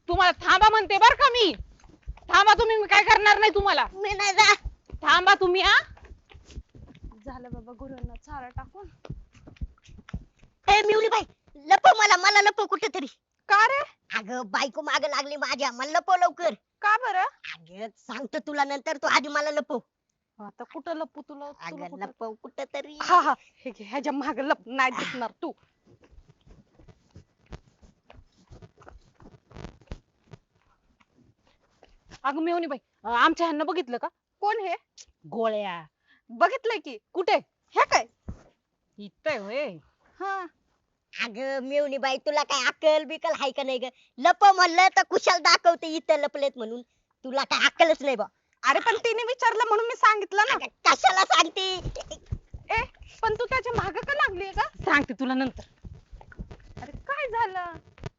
तुम्हाला थांबा म्हणते बर का मी. थांबा तुम्ही, मी काय करणार नाही तुम्हाला. मी नाही जा. थांबा तुम्ही. हा झालं बाबा गुरांना चारा टाकून. ए मिवली बाई, लपव मला लपव कुठेतरी. का रे? अगं बायको माग लागली माझ्या, मला लपव लवकर. का बरं? अगं सांगतो तुला नंतर, तू आधी मला लपव. आता कुठं लपू तुला? अगं लपव कुठेतरी. हा हा, हे घे, ह्याच्या माग लप नाही दिसणार तू. अगं मेवणी बाई, आमच्या ह्यांना बघितलं का? कोण हे? गोळ्या. बघितलंय की. कुठे? हे काय? इथं होय. हा, अगं मेवणी बाई, तुला काय अक्कल बिकल हाय का नाही ग? लपव म्हणलं तर कुशाल दाखवते इथं लपलेत म्हणून. तुला काय अक्कलच नाही बा. अरे पण तिने विचारलं म्हणून मी सांगितलं ना. अगं, कशाला सांगते? ए पण तू त्याच्या माग का लागलीये का? सांगते तुला नंतर. अरे काय झालं?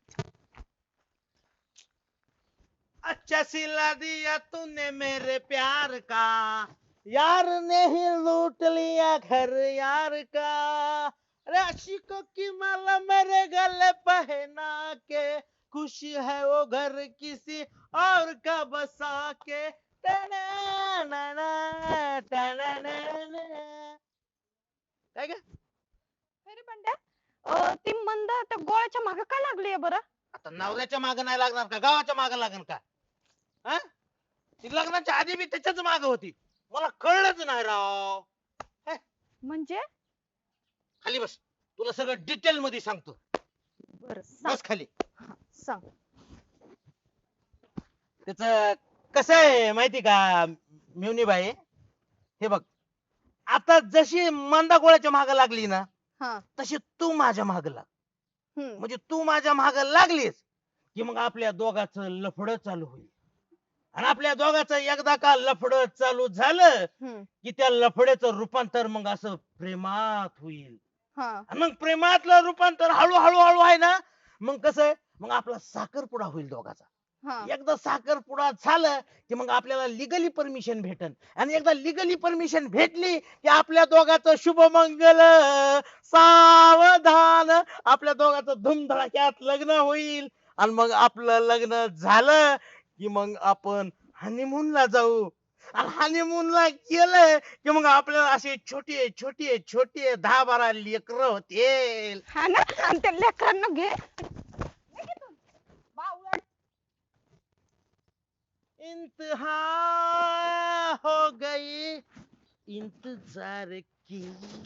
अच्छा सिला दिया तूने मेरे प्यार का, यार ने ही लूट लिया घर यार का, अरे आशिकों की माला मेरे गले पहना के, खुशी है वो घर किसी और का बसा के, टना-ना-ना, टना-ना-ना. काय ग? अरे बंड्या, ती मंद त्या गोळ्याच्या माग का लागलीये बरं? आता नवऱ्याच्या माग नाही लागणार का, गावाच्या माग लागणार का? हा? ती लग्नाच्या आधी बी त्याच्याच माग होती, मला कळलंच नाही राव. म्हणजे? खाली बस, तुला सगळं डिटेल मध्ये सांगतो. बरं सांग. बस खाली. सांग. त्याच कसं आहे माहिती का मिवनी बाई, हे बघ, आता जशी मंदा गोळ्याच्या माग लागली ना, हा. तशी तू माझ्या माग लाग. हम्म. म्हणजे तू माझ्या माग लागलीस की मग आपल्या दोघांचं लफडं चालू होईल. आणि आपल्या दोघांचं एकदा का लफडं चालू झालं हम्म. की त्या लफड्याचं रूपांतर मग असं प्रेमात होईल. हा. आणि मग प्रेमातलं रूपांतर हळूहळू हळू आहे ना, मग कसं आहे, मग आपला साखरपुडा होईल दोघाचा. हा. एकदा साखरपुडा झालं की मग आपल्याला लिगली परमिशन भेटन, आणि एकदा लिगली परमिशन भेटली की आपल्या दोघांचं शुभमंगल सावधान, आपल्या दोघांचं धुमधडाक्यात लग्न होईल. आणि मग आपलं लग्न झालं की मग आपण हनीमूनला जाऊ. आणि हनीमूनला गेलं की मग आपल्याला असे छोटे छोटे छोटे 10-12 लेकरं होतील. हा ना, आणि त्या लेकरांना घे. घे घेतो. बावळट. इंतहा हो गई इंतजार की.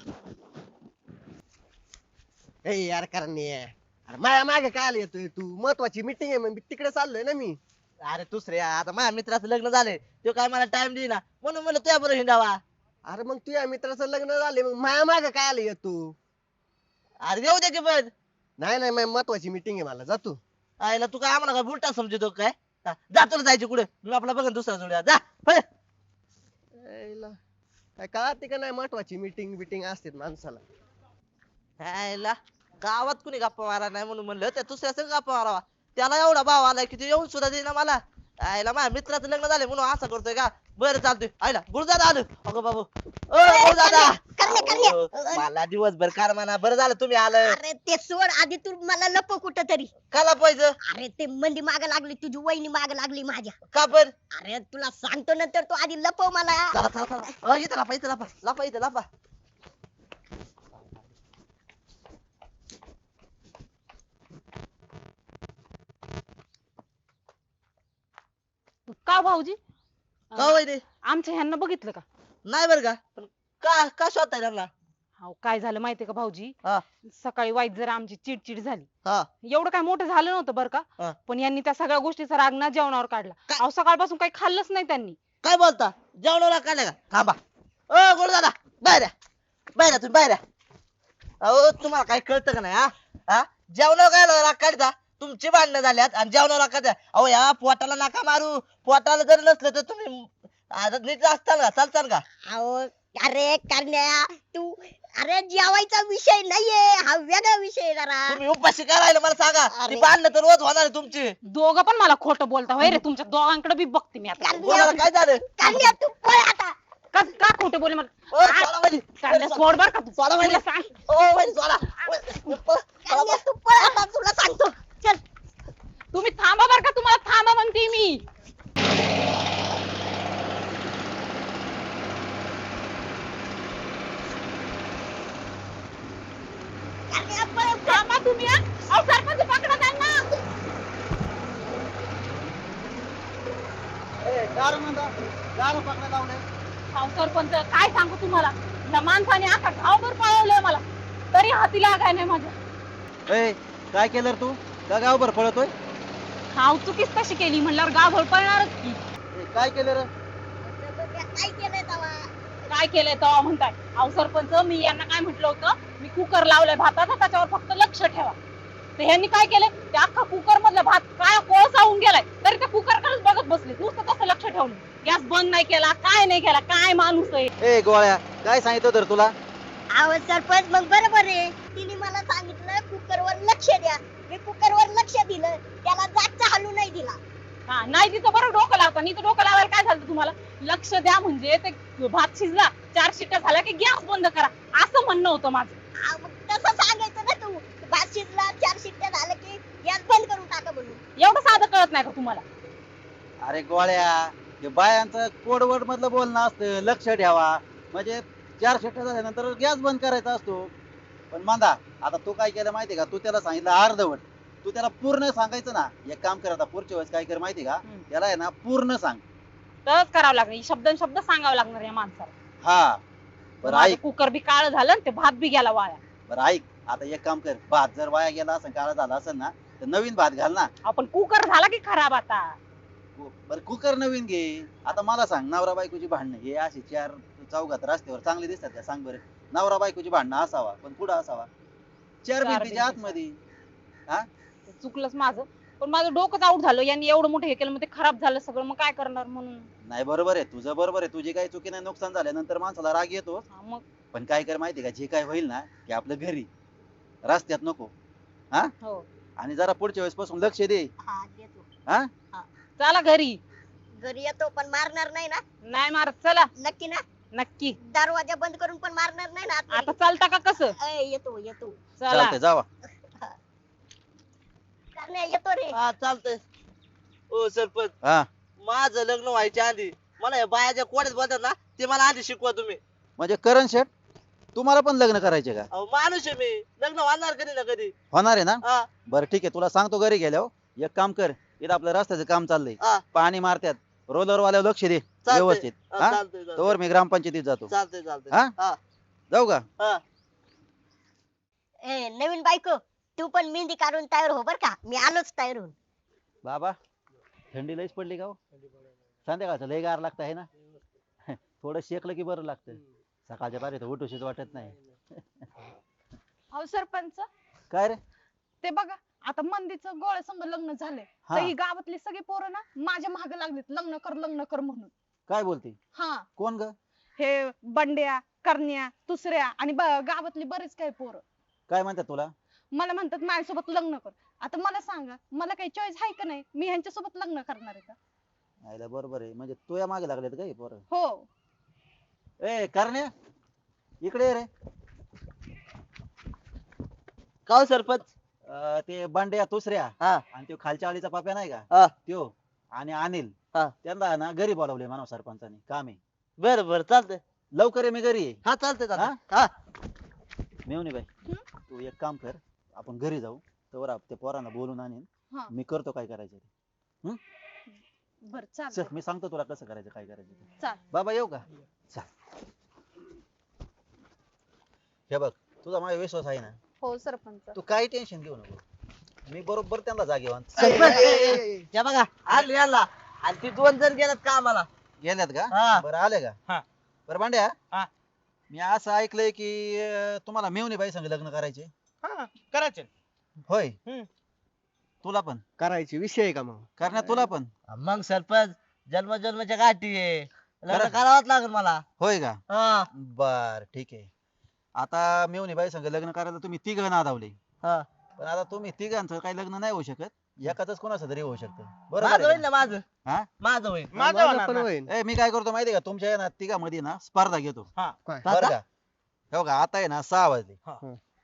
ए यार करणे, अरे माझ्या मागे काय आला येतोय तू? महत्वाची मीटिंग आहे, मग तिकडे चाललोय ना मी. अरे दुसरे आता माझ्या मित्राचं लग्न झालंय, तो काय मला टाइम देईना, म्हणून म्हणलं तुझ्या बरोबर हिंडावा. अरे मग तुझ्या मित्राचं लग्न झाले, मग माझ्या मागे काय आला येतो? अरे येऊ दे की पण. नाही नाही, माझी महत्वाची मीटिंग आहे, मला जातो. आईला तू काय आम्हाला काय बुलटा समजतो काय? हा, जा तुला जायचे कुठे, मी आपला बघन दुसरा जोड्या, जा पळ. यायला, काय कळते का नाही, महत्वाची मीटिंग बिटिंग असते माणसाला. आईला गावात कुणी गप्पा मारा नाही म्हणून म्हणलं त्या दुसऱ्या संग गप्पा मारावा. त्याला एवढा भाव आलाय की ते येऊन सुद्धा देईना मला. आईला माझ्या मित्राचं लग्न झालंय म्हणून असं करतोय का? बरं चालतोय. आईला गुरुदादा आलं. अगं बाबू, ओ गुरुदादा. करण्या. अहो, मला दिवसभर कार म्हणा, बरं झालं तुम्ही आलं. अरे ते सोड, आधी तू मला लपव कुठेतरी. काला पाहिजे अरे ते मंदी माग लागली, तुझी वहिनी माग लागली माझ्या. का पण? अरे तुला सांगतो नंतर, तू आधी लपव मला. चला चला चला, इथं लापा, इथं लापा, लापा इथं लापा. का भाऊजी? का वहिनी? आमच्या ह्यांना बघितलं का? नाही बरं का, पण का का शोधताय त्यांना? अहो काय झालं माहितीये का भाऊजी? हा. सकाळी वाईट जरा आमची चिडचिड झाली. हा. एवढं काय मोठं झालं नव्हतं बरं का, हा. पण यांनी त्या सगळ्या गोष्टीचा राग ना जेवणावर काढला. काय? अहो सकाळपासून काही खाल्लंच नाही त्यांनी. काय बोलता? जेवणाला काढलं का? थांबा. ओ गुरुदादा, बाहेर या. बाहेर या, तुम्ही बाहेर या. अहो तुम्हाला काय कळतं का नाही? हा हा, जेवणावर काय राग काढता? तुमची भांडणं झाल्यात आणि जेवणावर काढता. अहो या पोटाला नका मारू. पोटाला जर नसलं तर तुम्ही आता नीट असताल का, चालताल का? अहो अरे करण्या, तू अरे जेवायचा विषय नाहीये, हा वेगळा विषय आहे जरा. तुम्ही उपाशी काय राहिलं मला सांगा. अरे. ती भांडणं तर रोज होणार आहे तुमची. दोघं पण मला खोटं बोलता होय रे. तुमच्या दोघांकडे बी बघते मी आता. कोणाला काय झालं? करण्या तू पळ आता. का खोटं बोले मला? ओ, सोडा वहिनी. कांद्या सोड बर का तू. सोडा वहिनी. तुला सांग. ओ वहिनी, सोडा. सोडा. करण्या तू पळ आता, तुला सांगतो. चल. तुम्ही थांबा बर का, तुम्हाला मी. थांबा तुम्ही हा. अहो सरपंच पकडा त्यांना. अहो सरपंच काय सांगू तुम्हाला, या माणसाने अख्खा गावभर पळवलंय मला, तरी हाती लागाय नाही माझ्या. ए काय केलं रे तू का गावभर पळतोय हाव चुकीच कशी केली म्हणल्यावर गावभर पळणारच की. काय केलं रे काय केलंय तवा? काय केलंय तेव्हा म्हणताय. अहो सरपंच मी यांना काय म्हटलं होतं, मी कुकर लावलाय भाताचा, त्याच्यावर फक्त लक्ष ठेवा. तर ह्यांनी काय केलंय, ते अख्खा कुकर मधला भात काय कोळसा होऊन गेलाय, तरी ते कुकर कडेच बघत बसले, नुसतं कसं लक्ष ठेवलं. गॅस बंद नाही केला, काय नाही केला, काय माणूस आहे. ए गोळ्या काय सांगितलं तर तुला आवाज सरपंच मग बरोबर आहे. तिने मला सांगितलं कुकरवर लक्ष द्या, मी कुकरवर लक्ष दिलं, त्याला जागचा हलू नाही दिला. हा नाही तिथं बरं डोकं लावता, नाही तर डोकं लावायला काय झालं तुम्हाला. लक्ष द्या म्हणजे ते भात शिजला, 4 शिट्ट्या झाल्या की गॅस बंद करा, असं म्हणणं होतं माझं. मग तसं सांगायचं ना तू, भात शिजला 4 शिट्ट्या झाल्या की गॅस बंद करून टाका म्हणून. एवढं साधं कळत नाही का तुम्हाला. अरे गोळ्या हे बायांचं कोडवड मधलं बोलणं असतं, लक्ष ठेवा म्हणजे 4 शिट्ट्या झाल्यानंतर गॅस बंद करायचा असतो. पण मांदा आता तू काय केलं माहितीये का, तू त्याला सांगितलं अर्धवट, तू त्याला पूर्ण सांगायचं ना. एक काम कर आता पुढच्या वेळेस काय कर माहितीये का, त्याला आहे ना पूर्ण सांग. तरच करावं लागणार, शब्द शब्द सांगावं लागणार या माणसाला. हा बरं माझं ऐक, कुकर बी काळ झालं आणि ते भात बी गेला वाया. बरं ऐक आता एक काम कर, भात जर वाया गेला असेल काळा झाला असेल ना तर नवीन भात घाल ना. आपण कुकर झाला की खराब आता. बरं कुकर नवीन घे. आता मला सांग, नवरा बायकोची भांडणं हे अशी 4 चौघात रस्त्यावर चांगली दिसतात का सांग बरं. नवरा बायकोची भांडणं असावा पण कुठं असावा, 4 भिंतीच्या आतमध्ये. चुकलंच माझं, पण माझं डोकंच आऊट झालं. यांनी एवढं मोठं हे केलं, मग ते खराब झालं सगळं, मग काय करणार म्हणून. नाही बरोबर आहे तुझं, बरोबर आहे. तुझी काही चुकी नाही, नुकसान झाल्यानंतर माणसाला राग येतो. हा, मग पण काय कर माहितीये का, जे काय होईल ना ते आपलं घरी, रस्त्यात नको. हा हो आणि जरा पुढच्या वेळेस पासून लक्ष दे. हा देतो. हा चला घरी. घरी येतो पण मारणार नाही ना? नाही मारत, चला नक्की ना? नक्की. दरवाजा बंद करून पण मारणार नाही ना आता आतमध्ये? चालता का कसं. येतो येतो. चला चालतंय जावा. करण्या येतो रे. हा चालतंय. ओ सरपंच, हा माझं लग्न व्हायच्या आधी मला या बायाच्या कोड्यात बोलतात ना, ते मला आधी शिकवा तुम्ही. म्हणजे करण शेठ तुम्हाला पण लग्न करायचे का. अहो माणूस आहे मी, लग्न होणार कधी ना कधी. होणार आहे ना. हा बरं ठीक आहे, तुला सांगतो घरी गेल्यावर एक काम कर, इथं आपलं रस्त्याचं काम चाललंय, हा पाणी मारतात, रोलर वाल्यावर लक्ष दे चालतंय. व्यवस्थित. हा, हा चालतंय चालतंय. तोवर मी ग्रामपंचायतीत जातो. चालतंय चालतंय. हा? हा जाऊ का. हा नवीन बायको, तू पण मेहंदी काढून तयार हो बर का, मी आलोच तयार होऊन. बाबा थंडी लईच पडली का हो? संध्याकाळचं लय गार लागत आहे ना. थोडं शेकलं की बरं लागतं. सकाळच्या पारी तर उठूशीच वाटत नाही. अहो सरपंच, काय रे. ते बघा आता मंदीचं गोळ्या संग लग्न झालंय, हा. तर ही गावातली सगळी पोरं ना माझ्या मागे लागलीत लग्न कर म्हणून. काय बोलते. हा कोण ग. हे बंड्या, करण्या, दुसऱ्या आणि गावातली बरेच काही पोरं काय म्हणतात तुला. मला म्हणतात माझ्यासोबत लग्न कर. आता मला सांगा, मला काही चॉईस आहे का नाही, मी ह्यांच्यासोबत लग्न करणार आहे का. आयला बरोबर आहे, म्हणजे तू या मागे लागलेत काय पोरं. हो. ए करण्या इकडे ये रे. का हो सरपंच. ते बांड्या दुसऱ्या हा आणि तो खालच्या आळीचा पाप्या नाही का हा त्यो आणि अनिल, हा. त्यांना ना घरी बोलावले मानव सरपंचानी, काम आहे. बर बर चालतंय. लवकर ये, मी घरी आहे. हा चालतंय चालतंय. हा मेवणी बाई तू एक काम कर, आपण घरी जाऊ, तर ते पोरांना बोलून आणीन. हा. मी करतो काय करायचं ते. बर चल चालतंय. मी सांगतो तुला कसं करायचं काय करायचं ते. चाल. बाबा येऊ का. चल हे बघ, तुझा माझा विश्वास आहे ना, हो सरपंच. तू काही टेन्शन घेऊ नको, मी बरोबर त्यांना जागेवान. सरपंच त्या बघा आले याला, आणि ती 2 जण गेल्यात कामाला. गेल्यात का. हा. बरं आले का. हा. बरं भांड्या, हा. मी असं ऐकलंय की तुम्हाला मेवणी बाई संग लग्न करायचे. हा करायचे. होय. हम्म. तुला पण करायची विषय आहे का मग. करण्यात तुला पण. मग सरपंच जन्मजन्माच्या गाठी आहे, लग्न खरं? करावंच लागेल मला. होय का. हा बर ठीक आहे. आता मेवणी बाई संग लग्न करायला तुम्ही तिघ नादावले, हा पण आता तुम्ही तिघांचं काही लग्न नाही होऊ शकत, एकाच कोणाचं तरी होऊ शकतं. माझं बरोबर होईल आहे ना का? माझं. हा? माझं होईल. माझं माझं होणार पण ना. होईल. मी काय करतो माहितीये का, तुमच्या ना तिघांमध्ये ना स्पर्धा घेतो. हा काय? बरं का. हो का, आता आहे ना 6 वाजले. हा.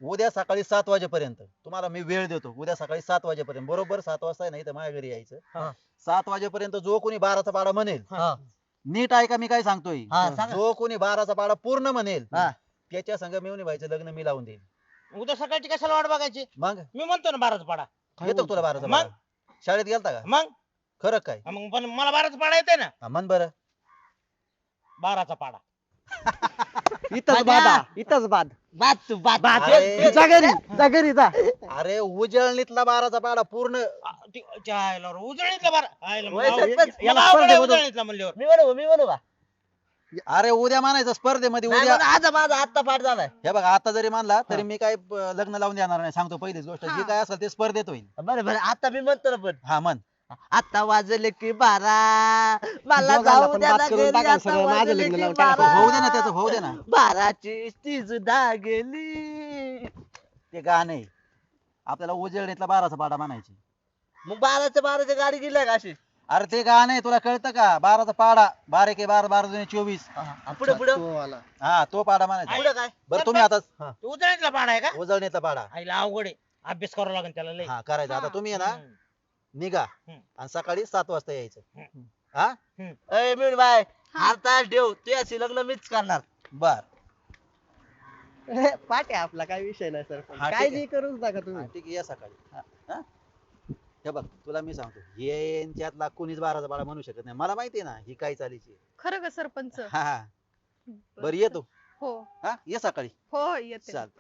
उद्या सकाळी 7 वाजेपर्यंत तुम्हाला मी वेळ देतो. उद्या सकाळी 7 वाजेपर्यंत बरोबर 7 वाजता नाही तर माझ्या घरी यायचं. हा. 7 वाजेपर्यंत जो कोणी 12चा पाडा म्हणेल, हा. नीट ऐका मी काय सांगतोय. हा, सांगा. जो कोणी 12चा पाडा पूर्ण म्हणेल हा. त्याच्या संग मिळून व्हायचं लग्न मी लावून देईल. उद्या सकाळची कशाला वाट बघायची? मग मी म्हणतो ना 12चा पाडा. येतो का तुला 12चा मग? पाडा? शाळेत गेलता का? मग खरं काय? मग पण मला 12चा पाडा येते ना. हा, म्हण बरं. 12चा पाडा. इथंच बाधा इथंच बाद बाद तू बाद अरे, जा घरी जा घरी जा. अरे उजळणीतला 12चा पाडा पूर्ण. उजळणीतला बारा आयला मग वय अवघड- सरपंच, मग याला अवघड आहे स्पर्धेमधून- उजळणीतला म्हणल्यावर. मी म्हणू का अरे उद्या मानायचं स्पर्धेमध्ये नाही उद्या. म्हणू, आज माझा आत्ता पाठ झालाय. हे बघा आता जरी मानला तरी मी काय लग्न लावून देणार नाही. सांगतो पहिलीच गोष्ट, जे काय असेल ते स्पर्धेत होईल. बरं बरं आता मी म्हणतो ना पण हा म्हण. आता वाजले की 12 मला दोघांना जाऊ पण द्या बात ना करून घरी, टाकायला आता सगळं माझं वाजले लग्न की लावून टाकायचं. 12. होऊ दे ना त्याचं, होऊ दे ना. 12ची ती सुद्धा गेली. ते गाणं आहे. आपल्याला उजळणीतला 12चा पाडा म्हणायची. मग 12च्या गाडी गेल्या का अशी अरे ते गाणं आहे, तुला कळतं का? 12चा पाडा 12 के 12 12 दुने 24. पुढे पुढे तो आला. हा तो पाडा म्हणायचा. पुढे काय बरं तुम्ही आता तो उजळणीतला पाडा आहे का? उजळणीतला पाडा आईला अवघड आहे. अभ्यास करावा लागेल त्याला लय. हा करायचा. आता तुम्ही आहे ना हम्म. निघा हम्म. आणि सकाळी 7 वाजता यायचं. हम्म. हा अय मिळून बाय आता ठेव तू याची लग्न मीच करणार. बर. पाठ आहे आपला काही विषय नाही सर हा, ठीक काय आहे. जी करूच नका हा, तुम्ही. ठीक आहे या सकाळी. हा? हे बघ तुला मी सांगतो, यांच्यातला कोणीच 12चा पाडा म्हणू शकत नाही. मला माहिती आहे ना ही काय चालीची. खरं का सरपंच? हा हा बरं येतो. हो हा ये सकाळी. हो येते. चाल.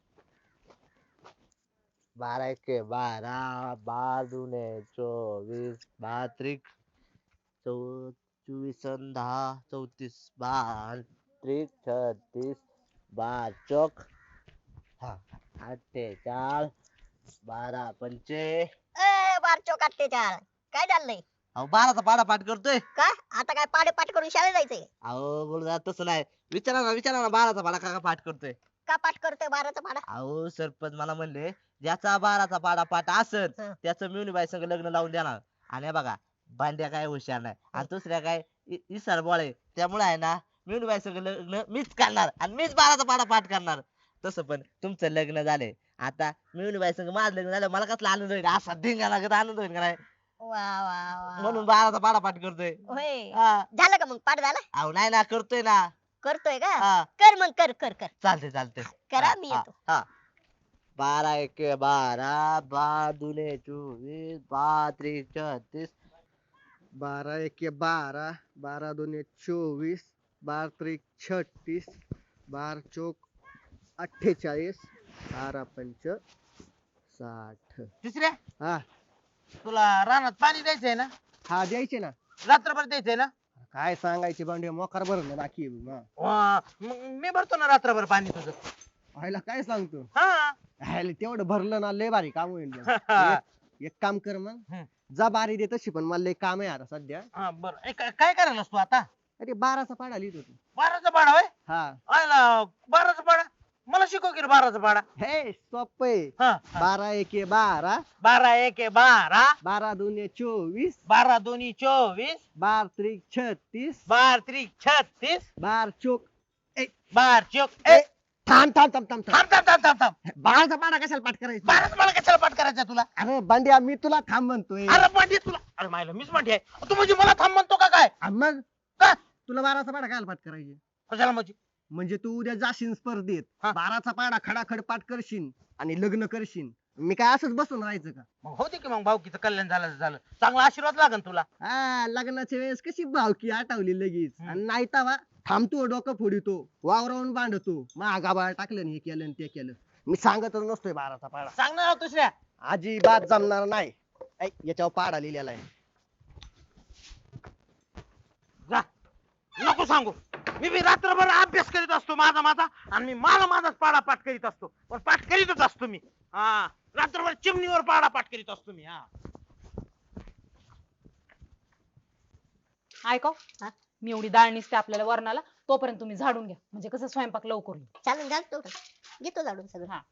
12 के 12 12 दुने 24 12 त्रिक 24 अन 10 34 12 त्रिक 36 12 चौक हा 48 12 पंचे बारचो काटते चार काय चाललंय? अहो 12चा पाडा पाठ करतोय. काय आता काय पाडे पाठ करून शाळेत जायचंय? अहो बोल तसं नाही. विचारा ना 12चा पाडा का पाठ करतोय. का पाठ करतोय 12चा पाडा? अहो सरपंच मला म्हणले ज्याचा 12चा पाडा पाठ असल हं. त्याचं मिळून संग लग्न लावून देणार. आणि हे बघा भांड्या काय हुशार नाही आणि दुसऱ्या काय इसार बोळे त्यामुळे आहे ना मिळून संग लग्न मीच करणार आणि मीच 12चा पाडा पाठ करणार. तसं पण तुमचं लग्न झालंय आता मिळून संग माझं लग्न झालं मला कसला आनंद होईल असा धिंगा लागत आनंद होईल का नाही वा वा वा म्हणून 12चा पाडा पाठ करतोय. होय हा. झालं का मग पाठ झाला? अहो नाही ना करतोय ना. करतोय का? हा कर मग कर कर कर चालते चालते करा मी येतो. हा 12 एके 12 12 दुने 24 12 त्रिक 36 12 एके 12 12 दुने 24 12 त्रिक 36 12 चौक 48 12 पंच 60. तिसऱ्या हा तुला रानात पाणी द्यायचंय ना? हा द्यायचे ना. रात्रभर द्यायचंय ना? काय सांगायचे भांडे मोकार भरलं बाकी आहे मग. मग मी भरतो ना रात्रभर पाणी तुझं. व्हायला काय सांगतो हा ह्याला तेवढं भरलं ना लय भारी काम होईल मग. एक काम कर मग हम्म. जा बारी दे तशी पण मला लय काम आहे आता सध्या. हा बरं काय करायला तू आता? अरे 12चा पाडा लिहित होतो. 12चा पाडा होय? हा आयला 12चा पाडा मला शिकव की 12चा पाडा. हे सोपं आहे. हा 12 एके 12 12 एके 12 12 दुने 24 12 दोन्ही 24 12 त्रिक 36 12 त्रिक 36 12 चौक 12 चौक थांब थांब थांब थांब थांब. थांब 12चा पाडा कशाला पाठ करायचा? 12चा पाडा कशाला पाठ करायचा तुला? अरे बंड्या मी तुला थांब म्हणतोय. अरे मांडी तुला अरे मायला मीच मांडी आहे तू म्हणजे मला थांब म्हणतो का काय? आणि मग का? तुला 12चा पाडा काय पाठ करायचे? कशाला म्हणजे? म्हणजे तू उद्या जाशील स्पर्धेत हा. 12चा पाडा खडाखड पाठ करशील आणि लग्न करशील. मी काय असंच बसून राहायचं का? मग होते की मग भाऊकीचं कल्याण झालं झालं चांगला आशीर्वाद लागन तुला. हा लग्नाच्या वेळेस कशी भावकी आठवली लगेच. हम्म. आणि नाही तवा थांबतो डोकं फोडितो वावरावून बांधतो महागाबाळ टाकलं आणि हे केलं आणि ते केलं. मी सांगतच नसतोय 12चा पाडा. सांग ना दुसऱ्या. अजिबात जमणार नाही. ऐ, याच्यावर पाडा लिहिलेला आहे. जा नको सांगू मी बी रात्रभर अभ्यास करीत असतो माझा आणि मी माझाच पाडा पाठ करीत असतो पण पाठ करीतच असतो मी. हा रात्रभर चिमणीवर पाडा पाठ करीत असतो मी. हा ऐकव हा? मी एवढी डाळ निसते आपल्याला वरणाला, तोपर्यंत तुम्ही झाडून घ्या म्हणजे कसं स्वयंपाक लवकर होईल. चालेल घालतो घेतो झाडून सगळं. हा.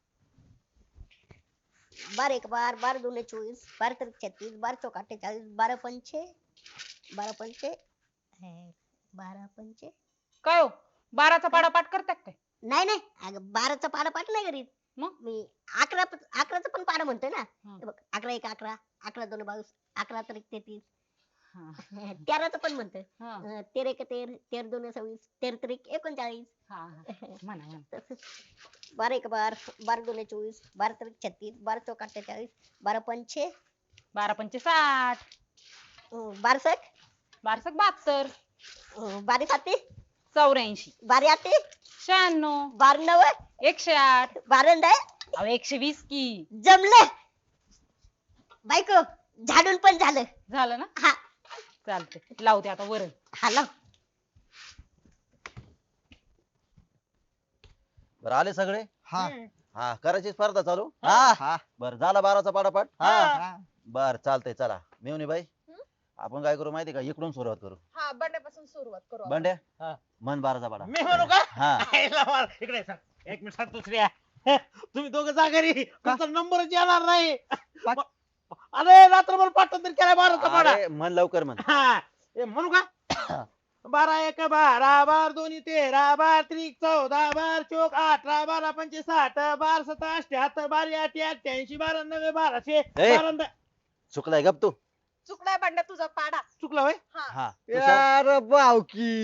12 एक 12 12 दुने 24 12 त्रिक 36 12 चौक 48 12 पंचे 12 पंचे 12 पंचे काय हो 12चा पाडा पाठ करताय काय? नाही नाही अगं 12चा पाडा पाठ नाही करीत. मग? मी 11चं पण पाडा म्हणतोय ना. हा. हे बघ 11 एक 11, 11 दोन 22, 11 त्रिक 33, हा, 13चं पण म्हणतोय. हा, 13 एक 13, 13 दोन 26, 13 त्रिक 39. हा, हा. म्हणा म्हणा. तसंच 12 एक 12, 12 दोन 24, 12 त्रिक 36, 12 चौक 48, 12 पंचे 12 पंचे 60, 12 सक 12 सक 72, 12 साती 84, 12 आते 96, 12 नव 108. 12 दय अहो 120 की. जमलं. बायको झाडून पण झालं. झालं ना? हा चालते, लावते आता वरण. हा लाव. बरं आले सगळे? हा हा करायची स्पर्धा चालू? हा हा बर झाला 12चा पाडापाट? हा बर चालतंय चला. मेवणी बाई आपण काय करू माहिती का, इकडून सुरुवात करू. हा बंड्यापासून सुरुवात करू आपण. बंड्या हा. मन 12चा पाडा. मी म्हणू का हा आईला मार. इकडे सांग. एक मिनिट सांग दुसऱ्या. तुम्ही दोघं जा घरी. तुमचा नंबरच येणार नाही. अरे रात्रभर पाठवून तरी केला 12चा पाडा. अरे मन लवकर म्हण. हा हे म्हणू का 12 एक 12, 12 दोन्ही 13, 12 त्रिक 14, 12 चौक 18, 12 पंचे 60, 12 सत्ता 88, 12 आठ 88, 12 नव्वे 1200, ए. 12 चुकलाय गप तू. चुकलाय बंड्या तुझा पाडा. चुकला होय. हा यार बावकी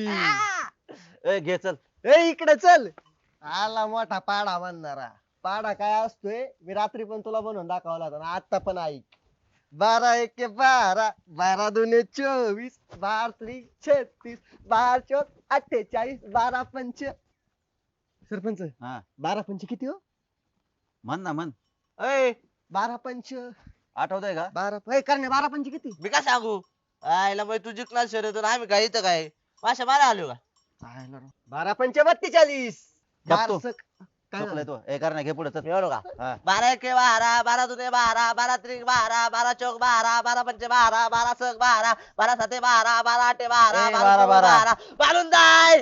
ए घे चल. ए इकडे चल. आला मोठा पाडा म्हणणारा. पाडा काय असतोय मी रात्री पण तुला बनवून दाखवला होता ना, आता पण ऐक. 12 एक 12, 12 दोन 24, 12 त्रिक 36, 12 चौक 48, 12 पंच. सरपंच हा 12 पंच किती हो? म्हण ना म्हण. ए 12 पंच आठवतंय का? 12 करणे 12 पंच किती? मी काय सांगू आयला मग तू जिंकणार शर्यत आम्ही काय इथं काय माशा मारा आलो का 12 पंच 42. बघतो. बारसक. काय चुकलाय झालं? तो. ए करण्या घे पुढे चल. एवढं का हा 12 एक 12, 12 दुने 12, 12 त्रिक 12, 12 चौक 12, 12 पंचे 12, 12 सक 12, 12 साते 12, 12 आठे 12, ए, 12 12. 12, बालून जाय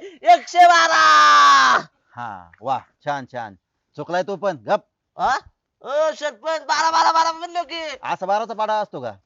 112. हा वा छान छान. चुकलाय तो पण गप. हा? ओ सरपंच 12 12 12 म्हणलो की असा 12चा पाडा असतो का?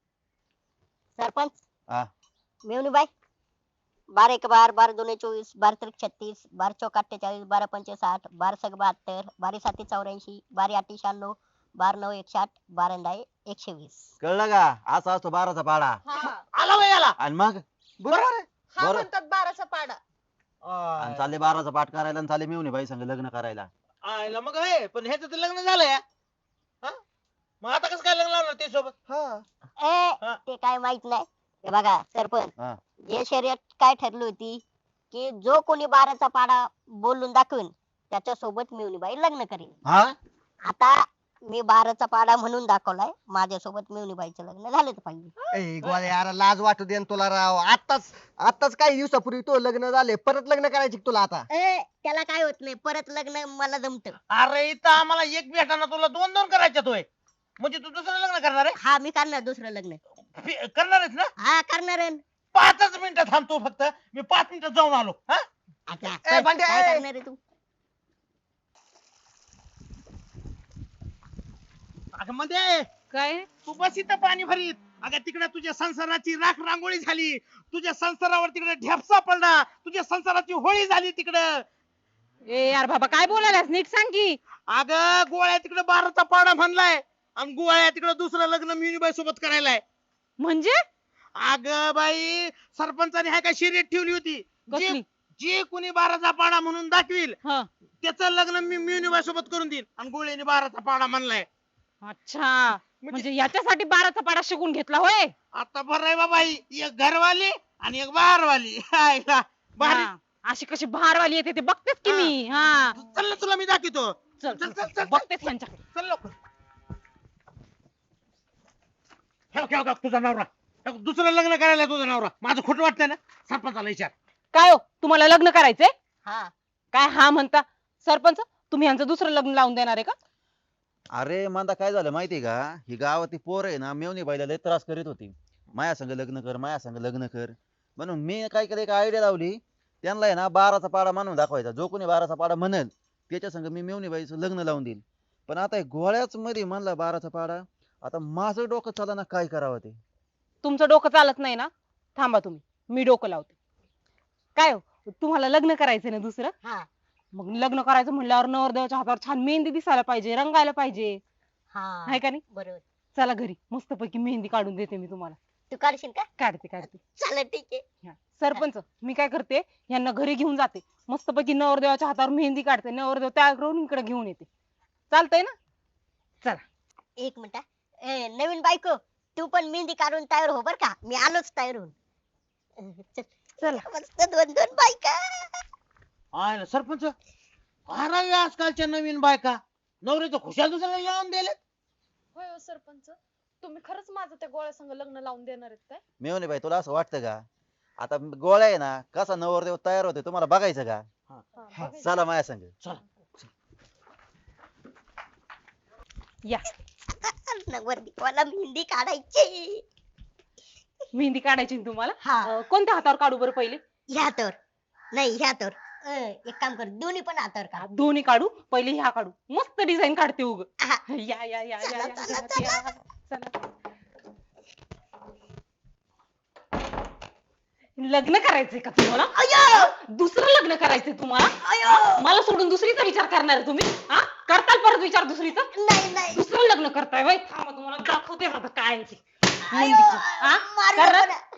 सरपंच हा मेवणी बाई 12 एक 12, 12 दोन 24, 12 त्रिक 36, 12 चौक 48, 12 पंचे 60, 12 सक 72, 12 साती 84, 12 आठी 96, 12 नऊ 160, 12 दहा 120. कळलं का? असा असतो 12चा पाडा. हा आला बाई आला. आणि मग बरोबर आहे. हा बरं. म्हणतात 12चा पाडा. आणि चालले 12चा पाठ करायला आणि चालले मिळून बाई संग लग्न करायला. आयला मग हे पण ह्याचं तर लग्न झालंय. हा? मग आता कसं काय लग्न लावणार ते सोबत? हा ते काय माहित नाही. हे बघा सरपंच हा जे शर्यत काय ठरली होती की जो कोणी 12चा पाडा बोलून दाखवेल त्याच्या सोबत मिवणीबाई लग्न करेल. हा आता मी 12चा पाडा म्हणून दाखवलाय, माझ्यासोबत मिवणीबाईचं लग्न झालंच पाहिजे. ए गोळ्या यार लाज वाटू दे न तुला राव. आताच काही दिवसापूर्वी तो लग्न झाले, परत लग्न करायचे का तुला आता? त्याला काय होत नाही, परत लग्न मला जमत. अरे इथं आम्हाला एक भेटाना तुला दोन दोन करायच्यात होय. म्हणजे तू दुसरं लग्न करणार आहे? हा मी करणार दुसरं लग्न. करणार आहेस ना? हा करणार आहे. 5च मिनिटं थांबतो फक्त. मी 5 मिनिटात जाऊन आलो. हा? आता ए, बंड्या, काय ए. करणार आहे तू? अगं मध्ये काय? तू बस इथं पाणी भरीत. अगं तिकडे तुझ्या संसाराची राख रांगोळी झाली. तुझ्या संसारावर तिकडे ढेपसा पडला. तुझ्या संसाराची होळी झाली तिकडं. ए यार बाबा काय बोलायलास, नीट सांग की. अगं गोळ्या तिकडे 12चा पाडा म्हणलाय आणि गोळ्या तिकडे दुसरं लग्न मिनीबाई सोबत करायलाय. म्हणजे अगं बाई सरपंचाने हाय का शर्यत ठेवली होती. कसली? जे कोणी 12चा पाडा म्हणून दाखवील हा त्याचं लग्न मी मिनीबाई सोबत करून देईन. आणि गोळ्याने 12चा पाडा म्हणलाय. अच्छा, म्हणजे याच्यासाठी 12चा पाडा शिकून घेतला होय. आता बरं आहे बाबा, एक घरवाली आणि एक बाहेरवाली. हाय का? भारी. हा, अशी कशी भारवाली येते ते बघतेच की मी. हा चल ना तुला मी दाखवतो. चल चल, चल, चल, चल, चल. बघतेच यांच्याकडे. चल लवकर. ठेव तुझा नवरा. दुसरं लग्न करायला तुझा नवरा. माझं खोटं वाटतंय ना? सरपंचाला विचार. काय हो, तुम्हाला लग्न करायचंय? हा काय हा म्हणता? सरपंच तुम्ही यांचं दुसरं लग्न लावून देणार आहे का? अरे मांदा काय झालं माहितीये का, ही गावातली पोर आहे ना मेवणी बाईला लय त्रास करीत होती. माया संग लग्न कर, माया संग लग्न कर. म्हणून मी काय केलं, एक आयडिया लावली. त्यांना आहे ना 12चा पाडा म्हणून दाखवायचा. जो कोणी 12चा पाडा म्हणेल त्याच्या संग मी मेवणी बाईचं लग्न लावून देईल. पण आता हे गोळ्याच मध्ये म्हणला 12चा पाडा. आता माझं डोकं चाला ना काय करावं ते. तुमचं डोकं चालत नाही ना? थांबा तुम्ही, मी डोकं लावते. काय हो, तुम्हाला लग्न करायचंय ना दुसरं? हा मग लग्न करायचं म्हणल्यावर नवरदेवाच्या हातावर छान मेहंदी दिसायला पाहिजे, रंगायला पाहिजे, हा आहे का नाही? बरोबर. चला घरी मस्तपैकी मेहंदी काढून देते मी तुम्हाला. तू काढशील का? काढते. चालेल ठीक आहे. ह्या, सरपंच मी काय करते, यांना घरी घेऊन जाते, मस्तपैकी नवरदेवाच्या हातावर मेहंदी काढते, नवरदेव तयार करून इकडे घेऊन येते. चालतंय ना? चला. एक मिनिट हा. नवीन बायको तू पण मेहंदी काढून तयार हो बर का, मी आलोच तयार होऊन. चल. चला. मस्त दोन दोन बायका. आहे सरपंच, अरे आजकालच्या नवीन बायका नवरीचं खुशाल दुसऱ्याला लावून दिले. होय हो सरपंच, तुम्ही खरंच माझं त्या गोळ्या संग लग्न लावून देणार आहेत काय? मेवणे बाई तुला असं वाटतं का? आता गोळ्या आहे ना कसा नवरदेव तयार होते तुम्हाला बघायचं का? हा, हा. बघायचं. चला माझ्या संग. या नवरदेव मला मेहंदी काढायची. मेहंदी काढायची ना तुम्हाला? हा. कोणत्या हातावर काढू बरं पहिले? ह्या तर नाही, ह्या तर एक काम कर, दोन्ही पण हातावर काढ. दोन्ही काढू, पहिले ह्या काढू, मस्त डिझाईन काढते उग. हा. या चला, चला, घरात या. चला. लग्न करायचंय का तुम्हाला? अयो दुसरं लग्न करायचंय तुम्हाला? अयो मला सोडून दुसरीचा विचार करणार आहे तुम्ही? हा, करताल परत विचार दुसरीचा? नाही नाही. दुसरं लग्न करताय वय? थांबा तुम्हाला दाखवते आता काय आहे ते. अयो, मेहंदीचं. हा? मारू करा. नको ना.